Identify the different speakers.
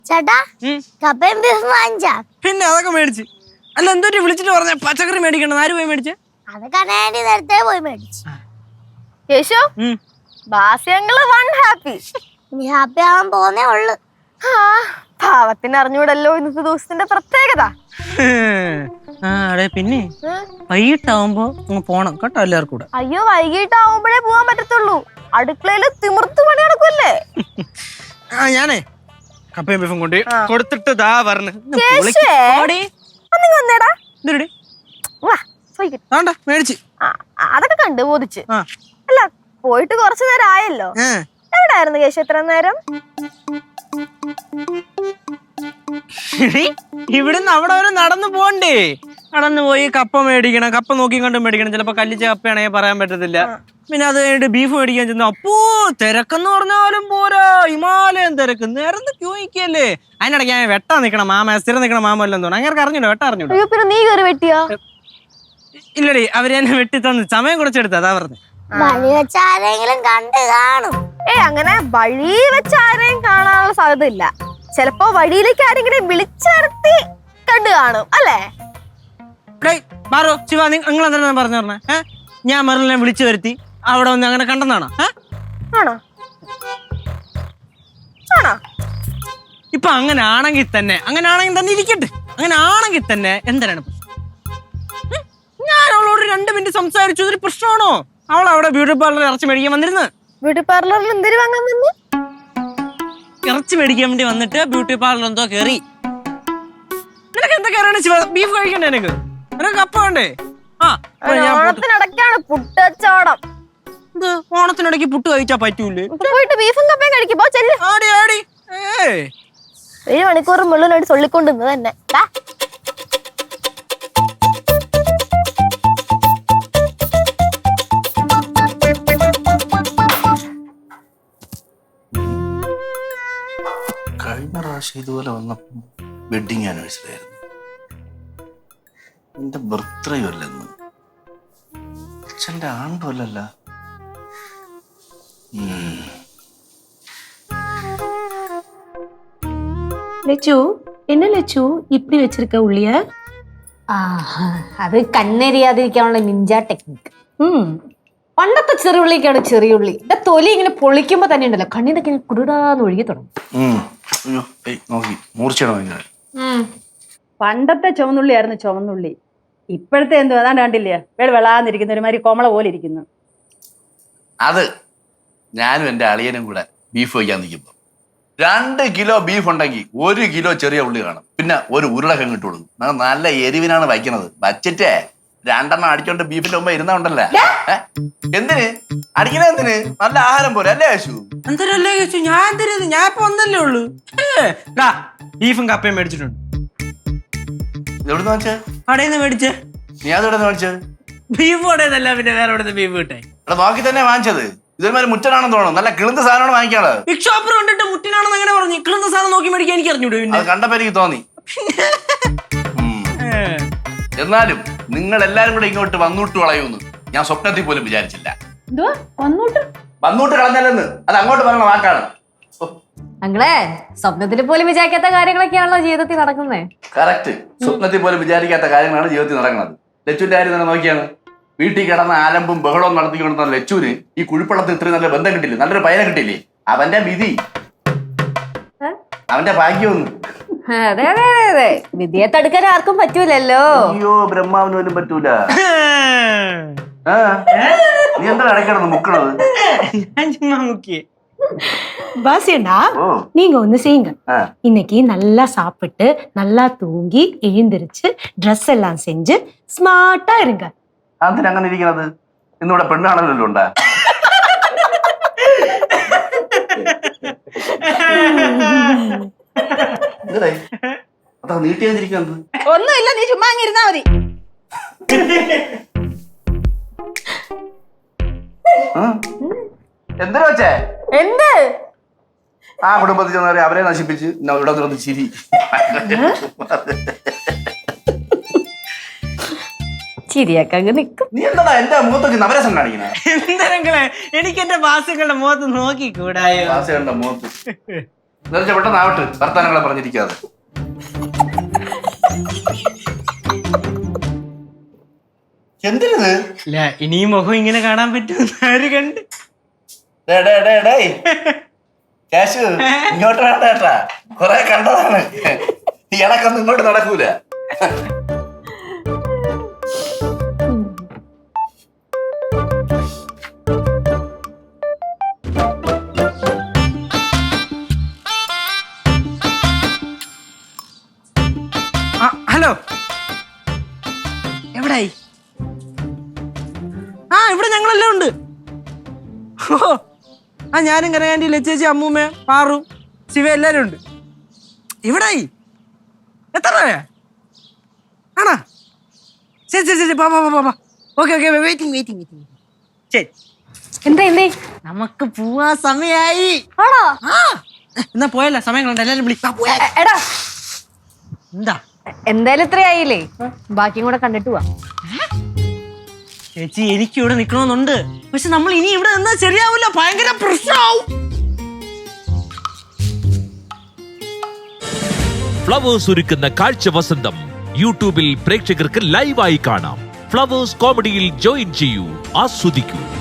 Speaker 1: ചേട്ടാ കപ്പയും ബീഫും വാങ്ങിച്ചാ?
Speaker 2: പിന്നെ അതൊക്കെ മേടിച്ച്. അല്ല എന്തോട്ട് വിളിച്ചിട്ട് പറഞ്ഞ പച്ചക്കറി മേടിക്കണം. ആര് പോയി മേടിച്ചേ?
Speaker 1: അതൊക്കെ ആന്റി നേരത്തെ പോയി മേടിച്ചു.
Speaker 3: കേശു ബാസ്യങ്ങള് വൺ ഹാപ്പി.
Speaker 1: ഇനി ഹാപ്പി ആവാൻ പോന്നേ ഉള്ളു.
Speaker 3: പാവത്തിന് അറിഞ്ഞൂടല്ലോ ഇന്നത്തെ ദിവസത്തിന്റെ പ്രത്യേകത.
Speaker 2: പിന്നെ വൈകിട്ടാവുമ്പോ പോണം കേട്ടോ എല്ലാവർക്കും കൂടെ.
Speaker 3: അയ്യോ വൈകിട്ടാവുമ്പോഴേ പോവാൻ പറ്റത്തുള്ളൂ. അടുക്കളയില് തിമിർത്ത് പണി നടക്കൂല്ലേ.
Speaker 2: ഞാനേ കപ്പയും ബീഫും കൊണ്ട് കൊടുത്തിട്ട് ദാ പറഞ്ഞു. മേടിച്ച്
Speaker 3: അതൊക്കെ കണ്ട് ബോധിച്ച്. അല്ല പോയിട്ട് കുറച്ചു നേരം ആയല്ലോ. എവിടായിരുന്നു കേശു എത്ര നേരം?
Speaker 2: ഇവിടുന്ന് അവിടെ വരെ നടന്നു പോണ്ടേ? നടന്നു പോയി കപ്പ മേടിക്കണം. കപ്പ നോക്കി കണ്ട് മേടിക്കണം. ചിലപ്പോ കല്ലിച്ച കപ്പയാണെങ്കിൽ പറയാൻ പറ്റത്തില്ല. പിന്നെ അത് കഴിഞ്ഞിട്ട് ബീഫ് മേടിക്കാൻ ചെന്നു. അപ്പോ തിരക്കെന്ന് പറഞ്ഞാലും പോരാ, ഹിമാലയം തിരക്ക്. നേരത്തെ ക്യൂ നിൽക്കല്ലേ. അതിനിടയ്ക്ക് ഞാൻ വെട്ടാൻ നിൽക്കണം. മാമ സ്ഥിരം നിൽക്കണം. മാമ എല്ലാം തോന്നുന്നു. അങ്ങനെ അറിഞ്ഞൂടോ വെട്ടാ അറിഞ്ഞൂടോ.
Speaker 3: പിന്നെ നീ കയറി വെട്ടിയോ?
Speaker 2: ഇല്ലടി, അവര് എന്നെ വെട്ടി തന്നു. സമയം കുറച്ചെടുത്ത അതാ പറഞ്ഞു.
Speaker 1: വഴി വെച്ച് ആരെങ്കിലും കണ്ടു കാണും.
Speaker 3: അങ്ങനെ വഴി വെച്ച് ആരെയും കാണാനുള്ള സാധ്യത ഇല്ല. ചിലപ്പോ വഴിയിലേക്ക് ആരെങ്കിലും വിളിച്ചിറത്തി കണ്ടു കാണും അല്ലേ?
Speaker 2: മാറോ ശിവ, നിങ്ങൾ എന്താ പറഞ്ഞു പറഞ്ഞേ? ഞാൻ മെറിലിനെ വിളിച്ചു വരുത്തി അവിടെ വന്ന് അങ്ങനെ കണ്ടെന്നാണോ?
Speaker 3: ആണോ ആണോ?
Speaker 2: ഇപ്പൊ അങ്ങനെ ആണെങ്കിൽ തന്നെ ഇരിക്കട്ടെ. അങ്ങനെ ആണെങ്കിൽ തന്നെ എന്തിനാണ് ഞാൻ അവളോട് 2 മിനിറ്റ് സംസാരിച്ചു. ഇതൊരു പ്രശ്നമാണോ? അവൾ അവിടെ ബ്യൂട്ടി പാർലറിൽ ഇറച്ചി മേടിക്കാൻ വന്നിരുന്നു.
Speaker 3: ബ്യൂട്ടി പാർലറിൽ എന്തിനു വാങ്ങാൻ വന്നു?
Speaker 2: ഇറച്ചി മേടിക്കാൻ വേണ്ടി വന്നിട്ട് ബ്യൂട്ടി പാർലർ എന്തോ കയറി. നിനക്ക് എന്താ കയറാണ് ശിവ? ബീഫ് കഴിക്കണ്ടേ? നിനക്ക് കപ്പ വേണ്ടേ?
Speaker 3: ഓണത്തിനിടയ്ക്കാണ് പുട്ടച്ചോടം.
Speaker 2: ഓണത്തിനിടയ്ക്ക് പുട്ട് കഴിച്ചാ പറ്റൂലേ?
Speaker 3: പോയിട്ട് ബീഫും കപ്പയും കഴിക്കുമ്പോ ചെല്ലു. 7 മണിക്കൂർ മുള്ളിനോട് ചൊല്ലിക്കൊണ്ടിരുന്നത് തന്നെ.
Speaker 4: കഴിഞ്ഞ പ്രാവശ്യം ഇതുപോലെ വന്നപ്പോൾ വെഡിങ് ആനിവേഴ്സറി ആയിരുന്നു. എന്റെ ബർത്ത്ഡേ അല്ലെന്ന്. അച്ഛൻ്റെ ആണ്ടും അല്ലല്ല.
Speaker 5: லெச்சு என்ன லெச்சு இப்படி வச்சிருக்க உள்ளிய?
Speaker 6: അത് കണ്ണെരിയാതിരിക്കാനുള്ള നിഞ്ച ടെക്നിക്ക്. പണ്ടത്തെ ചെറിയുള്ളിക്കാണ് ചെറിയുള്ളി. എന്റെ തൊലി ഇങ്ങനെ പൊളിക്കുമ്പോ തന്നെ ഉണ്ടല്ലോ കണ്ണിന്നൊക്കെ കുടുടാന്ന് ഒഴുകി തുടങ്ങും.
Speaker 5: പണ്ടത്തെ ചുവന്നുള്ളിയായിരുന്നു ചുവന്നുള്ളി. ഇപ്പോഴത്തെ എന്തോ അതാണ്ട് കണ്ടില്ലേ, വെളാന്നിരിക്കുന്ന ഒരുമാതിരി കോമള പോലെ ഇരിക്കുന്നു.
Speaker 4: അത് ഞാനും എന്റെ അളിയനും കൂടെ ബീഫ് വയ്ക്കാൻ നിൽക്കുമ്പോ 2 കിലോ ബീഫ് ഉണ്ടെങ്കിൽ 1 കിലോ ചെറിയ ഉള്ളി കാണും. പിന്നെ ഒരു ഉരുളക്കിഴങ്ങ് ഇട്ട് കൊടുക്കും. നല്ല എരിവിനാണ് വയ്ക്കുന്നത്. വച്ചിട്ടേ 2 അടിച്ചോണ്ട് ബീഫിന്റെ മുമ്പ് ഇരുന്നാ ഉണ്ടല്ലേ. എന്തിന് അടിക്കണ? എന്തിന്? നല്ല ആഹാരം പോലെ അല്ലേ യേശു?
Speaker 2: എന്തരല്ലേ യേശു? ഞാൻ ഇപ്പൊ ഒന്നല്ലേ ഉള്ളു. ബീഫും കപ്പയും മേടിച്ചിട്ടുണ്ട്.
Speaker 4: എവിടുന്ന് വാങ്ങിച്ചേ?
Speaker 2: കടയിൽ മേടിച്ചേ.
Speaker 4: നീ അതെവിടെ വാങ്ങിച്ചത്?
Speaker 2: ബീഫ് കടയെന്നല്ല, പിന്നെ വേറെ എവിടെ ബീഫ് കിട്ടേ?
Speaker 4: ഇവിടെ നോക്കി തന്നെ വാങ്ങിച്ചത്. ഇതൊരുമാതിരി മുറ്റനാണെന്ന് തോന്നുന്നു. നല്ല കിളുന്ന സാധനമാണ് വാങ്ങിക്കാള്.
Speaker 2: ബിഗ് ഷോപ്പർ കണ്ടിട്ട് മുട്ടിനാണെന്ന് അങ്ങനെ പറഞ്ഞു. കിളുന്ന സാധനം നോക്കി മേടിക്കാൻ എനിക്ക് അറിഞ്ഞൂടെ?
Speaker 4: അത് കണ്ടപ്പോ എനിക്ക് തോന്നി. എന്നാലും നിങ്ങൾ എല്ലാരും കൂടെ ഇങ്ങോട്ട് വന്നൂട്ട് കളയൂന്ന് ഞാൻ സ്വപ്നത്തിൽ പോലും വിചാരിച്ചില്ല. വന്നൂട്ട് കളഞ്ഞല്ലെന്ന് അത് അങ്ങോട്ട് പറഞ്ഞ വാക്കാണ്.
Speaker 6: ഞങ്ങളെ സ്വപ്നത്തിൽ പോലും വിചാരിക്കാത്ത കാര്യങ്ങളൊക്കെയാണല്ലോ ജീവിതത്തിൽ നടക്കുന്നത്.
Speaker 4: കറക്റ്റ്. സ്വപ്നത്തിൽ പോലും വിചാരിക്കാത്ത കാര്യങ്ങളാണ് ജീവിതത്തിൽ നടക്കുന്നത്. ലച്ചുവിന്റെ കാര്യം തന്നെ നോക്കിയാണ്. വീട്ടിൽ കിടന്ന ആലമ്പും ബഹളവും നടത്തിക്കൊണ്ടിരുന്ന ലച്ചുവിന് ഈ കുഴിപ്പള്ളത്തിൽ ഇത്രയും നല്ല ബന്ധം കിട്ടില്ലേ, നല്ലൊരു പയനെ കിട്ടില്ലേ. അവന്റെ വിധി, അവന്റെ ഭാഗ്യമൊന്നും.
Speaker 6: അതെ അതെ അതെ അതെ, വിധിയെ തടുക്കാൻ ആർക്കും പറ്റൂലല്ലോ.
Speaker 4: അയ്യോ, ബ്രഹ്മാവിന് പോലും പറ്റൂല. നീ എന്താ ഇടയ്ക്കിടന്ന് മുക്കണത്?
Speaker 5: பாசியண்டா, நீங்க ஒண்ணு செய்யுங்க. இன்னைக்கு நல்லா சாப்பிட்டு நல்லா தூங்கி எழுந்திருச்சு ட்ரெஸ் எல்லாம் செஞ்சு ஸ்மார்ட்டா இருங்க.
Speaker 4: അതിന് അങ്ങനെ ഇരിക്കുന്നത്? ഇന്നിവിടെ പെണ്ണാണല്ലോ ഉണ്ടാ. അതാ നീട്ടി വന്നിരിക്കുന്നത്.
Speaker 3: ഒന്നുമില്ല, നീ ചുമ്മാ അങ്ങിരുന്നാ മതി.
Speaker 4: എന്തിനാ വെച്ചേ?
Speaker 3: എന്ത്?
Speaker 4: ആ കുടുംബത്തിൽ ചെന്നവരെ അവരെ നശിപ്പിച്ച് ഇവിടെ നിന്ന് ചിരി.
Speaker 6: ചിരിയൊക്കെ അങ്ങ് നിക്കും.
Speaker 4: നീ എന്താ എന്റെ മുഖത്തൊക്കെ നവരസം കാണിക്കണേ?
Speaker 2: എന്തെങ്കിലേ എനിക്ക് എന്റെ വാസുകളുടെ മുഖത്ത് നോക്കിക്കൂടായോ?
Speaker 4: വാസുകളുടെ മുഖത്ത് പെട്ടെന്ന് ആവട്ടെ, വർത്താനങ്ങളെ പറഞ്ഞിരിക്കാതെ. എന്തിനത്?
Speaker 2: ഇല്ല ഇനിയും മുഖം ഇങ്ങനെ കാണാൻ പറ്റുമെന്ന് ആര് കണ്ട്?
Speaker 4: കാശു ഇങ്ങോട്ട് വേണ്ട കേട്ടാ, കൊറേ കണ്ടതാണ്. ഈ ഇളക്കൊന്നും ഇങ്ങോട്ട് നടക്കൂല.
Speaker 2: ഹലോ, എവിടായി? ആ ഇവിടെ ഞങ്ങളെല്ലാം ഉണ്ട്. ഓ ആ ഞാനും കനകാന്റി, ലച്ചേച്ചി, അമ്മൂമ്മ, പാറു, ശിവ എല്ലാരും ഉണ്ട്. എവിടായി? എത്ര രൂപയാ? ആണോ? ശരി ശരി ശരി, ഓക്കെ ഓക്കെ, വെയിറ്റിംഗ്. ശരി,
Speaker 6: എന്തേ
Speaker 2: നമുക്ക് പോവാ സമയായി.
Speaker 6: ആണോ?
Speaker 2: ആ എന്നാ പോയല്ല, സമയം കണ്ട എല്ലാരും വിളിക്കാം.
Speaker 6: എടാ
Speaker 2: എന്താ
Speaker 6: എന്തായാലും ഇത്രയായില്ലേ, ബാക്കിയും കൂടെ കണ്ടിട്ട് പോവാ.
Speaker 2: ചേച്ചി എനിക്ക് ഇവിടെ നിക്കണമെന്നുണ്ട്, പക്ഷെ നമ്മൾ ഇനി ഇവിടെ നിന്നാ ശരിയാവില്ല, ഭയങ്കര പ്രശ്നമാവും.
Speaker 7: ഫ്ലവേഴ്സ് ഒരുക്കുന്ന കാഴ്ച വസന്തം യൂട്യൂബിൽ പ്രേക്ഷകർക്ക് ലൈവായി കാണാം. ഫ്ലവേഴ്സ് കോമഡിയിൽ ജോയിൻ ചെയ്യൂ, ആസ്വദിക്കൂ.